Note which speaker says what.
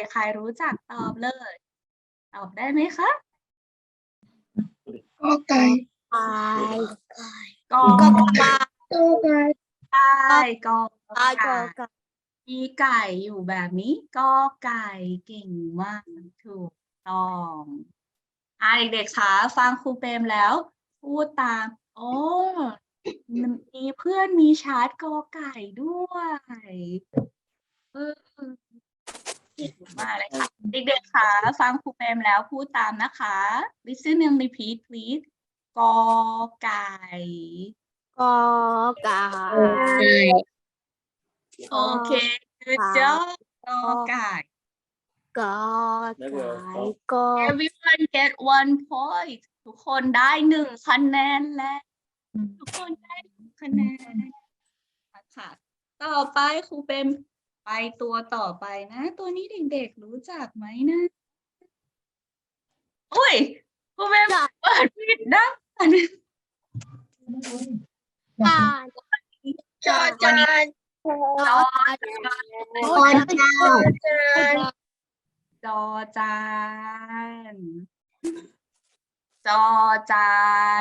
Speaker 1: ใครรู้จักตอบเลย ตอบได้ไหมคะ
Speaker 2: กอไก่
Speaker 3: ไก่
Speaker 1: กอ
Speaker 3: ก็ไก่
Speaker 2: กอไก่
Speaker 1: ไก่กอ
Speaker 3: ไก่
Speaker 1: ไก่
Speaker 3: ก็ไก่
Speaker 1: มีไก่อยู่แบบนี้กอไก่เก่งมากถูกต้องเด็กๆคะฟังครูเปรมแล้ว พูดตามโอ้มีเพื่อนมีชาร์ตกอไก่ด้วยเออเก่งมากเลยค่ะเด็กๆคะฟังครูเปรมแล้วพูดตามนะคะ listen and repeat please กอไก่
Speaker 3: ก็ไก่
Speaker 1: โอเค good job กอไก่
Speaker 3: ก็ไก่ก็
Speaker 1: everyone get 1 point ทุกคนได้1 คะแนนแล้วทุกคนได้1 คะแนนค่ะต่อไปครูเป็นไปตัวต่อไปนะ ตัวนี้เด็กๆรู้จักไหมนะอุ้ยครูเป็นเปิดผิดนะ
Speaker 3: จาน
Speaker 2: จอจาน
Speaker 1: จอ
Speaker 2: จอจาน
Speaker 1: จอจานจอจาน